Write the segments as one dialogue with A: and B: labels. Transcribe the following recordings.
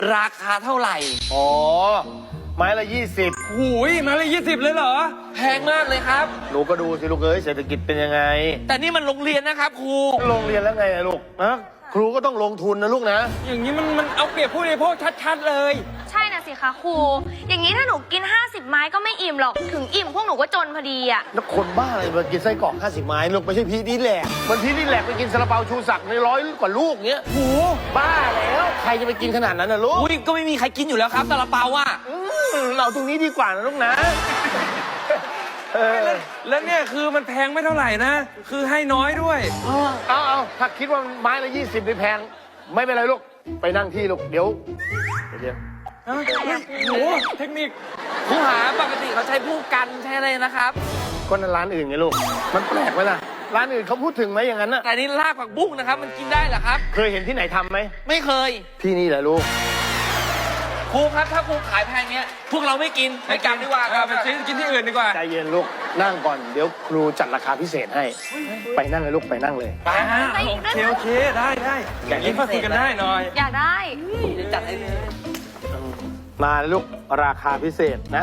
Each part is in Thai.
A: ราคาเท่าไหร่
B: อ๋อ ไม้ละ20
C: หูยมาเลย20เลยเหรอ
A: แพงมากเลยครับ
B: หนูก็ดูสิลูกเอ้ยเศรษฐกิจเป็นยังไง
A: แต่นี่มันโรงเรียนนะครับครู
B: โรงเรียนแล้วไงอะลูกนะครูก็ต้องลงทุนนะลูกนะ
C: อย่างนี้มันเอาเปรียบผู้บริโภคชัดๆเลย
D: ใช่น่ะสิคะครู อย่างนี้ถ้าหนูกิน 50 ไม้ก็ไม่อิ่มหรอก ถึงอิ่มพวกหนูก็จนพอดีอ่ะ
B: แล้วคนบ้าอะไรมากินไส้กรอก50 ไม้ลูกไม่ใช่พีดีแหลกมันพีดีแหลกไปกินซาลาเปาชูศักดิ์ใน100 กว่าลูกเงี้ย
C: โห
B: บ้าแล้วใครจะไปกินขนาดนั้นนะลูก
A: อุ้ยก็ไม่มีใครกินอยู่แล้วครับซาลาเปาอ่ะ
B: เราตรงนี้ดีกว่านะลูกนะเออ
C: แล้วเนี่ยคือมันแพงไม่เท่าไหร่นะ คือให้น้อยด้วย
B: เอาถ้าคิดว่าไม้ละ20นี่แพงไม่เป็นไรลูกไปนั่งที่ลูกเดี๋ยว
C: เฮ้ยโหเทคนิค
A: ครูหาปกติเขาใช้ผู้กันใช้อะไรนะครับ
B: ก็นั่นร้านอื่นไงลูกมันแปลกไหมล่ะร้านอื่นเขาพูดถึงไหมอย่างนั้นน่ะ
A: แต่นี่ลากผักบุ้งนะครับ มันกินได้เหรอครับ
B: เคยเห็นที่ไหนทำไหม
A: ไม่เคย
B: ที่นี่แหละลูก
A: ครูครับถ้าครูขายแพงเนี้ยพวกเราไม่กินไปกลับดีกว่าครับ
C: ไปซื้อกินที่อื่นดีกว่า
B: ใจเย็นลูกนั่งก่อนเดี๋ยวครูจัดราคาพิเศษให้ ไปนั่งเลยลูกไปนั่งเลย
A: ไปฮะ
C: โอเคได้อย่างนี้มาคุยกันได้หน่อย
D: อยากได้
A: เดี๋ยวจัดให้เลย
B: มาลูกราคาพิเศษนะ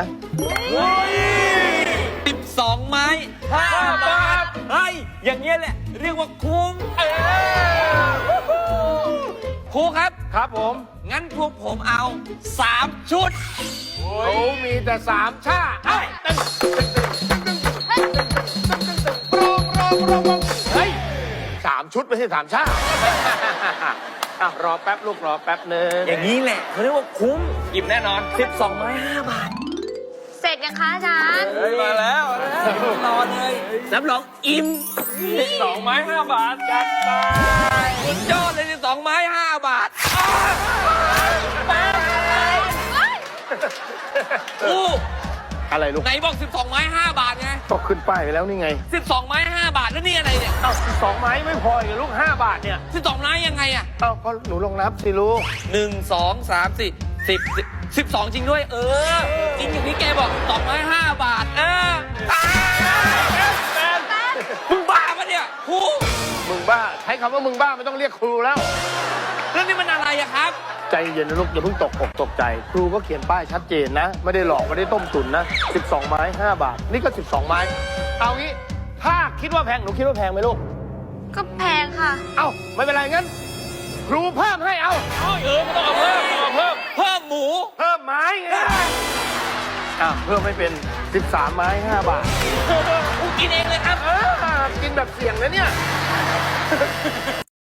A: 12 ไม้5 บาทเฮ้ยอย่างเงี้ยแหละ เรียกว่าคุ้มครูครับ
B: ครับผม
A: งั้นพวกผมเอา 3 ชุด
B: เขามีแต่3ชาเอ้ยเฮ้ย3 ชุดไม่ใช่3ชาอ่ะรอแป๊บลูกรอแป๊บนึง
A: อย่างนี้แหละเขาเรียกว่าคุ้ม
C: อิ่มแน่นอน
A: 12 ไม้ 5 บาท
D: เสร็จยังคะอาจารย์
C: มาแล้ว
A: รอเลยรับรองอิ่ม
C: 2 ไม้ 5 บาทจัดไป
A: สุดยอดเลย12 ไม้ 5 บาทครู
B: อะไรลูก
A: ไหนบอก 12 ไม้ 5 บาทไง
B: ก็ขึ้นป้ายไปแล้วนี่ไง
A: 12 ไม้ 5 บาทแล้วนี่อะไรเนี่ย
B: เอ้า2 ไม้ไม่พออีกเหรอลูก5 บาทเนี่ย
A: 12 ไม้ยังไงอะ
B: เอ้าก็หนูลองนับสิลูก
A: 1 2 3 4 12 จริงด้วย จริงอย่างที่แกบอก2 ไม้ 5 บาทมึงบ้าปะเนี่ยครู
B: มึงบ้าใช้คำว่ามึงบ้าไม่ต้องเรียกครูแล้ว
A: เรื่องนี้มันอะไรอะครับ
B: ใจเย็นนะลูกอย่าเพิ่งตกอกตกใจ ครูก็เขียนป้ายชัดเจนนะ ไม่ได้หลอกไม่ได้ต้มตุ๋นนะ12 ไม้5 บาท นี่ก็12 ไม้ เอางี้ ถ้าคิดว่าแพงหนูคิดว่าแพงไหมลูก
D: ก็แพงค่ะ
B: เอ้าไม่เป็นไรงั้น ครูเพิ่มให้เอา
A: ไม่ต้องเอาเพิ่มเพิ่มหมู
B: เพิ่มไม้ไงเพิ่มไม่เป็น13 ไม้5 บาท
A: กูกินเองเลยครับ
B: กินแบบเสี่ยงนะเนี่ย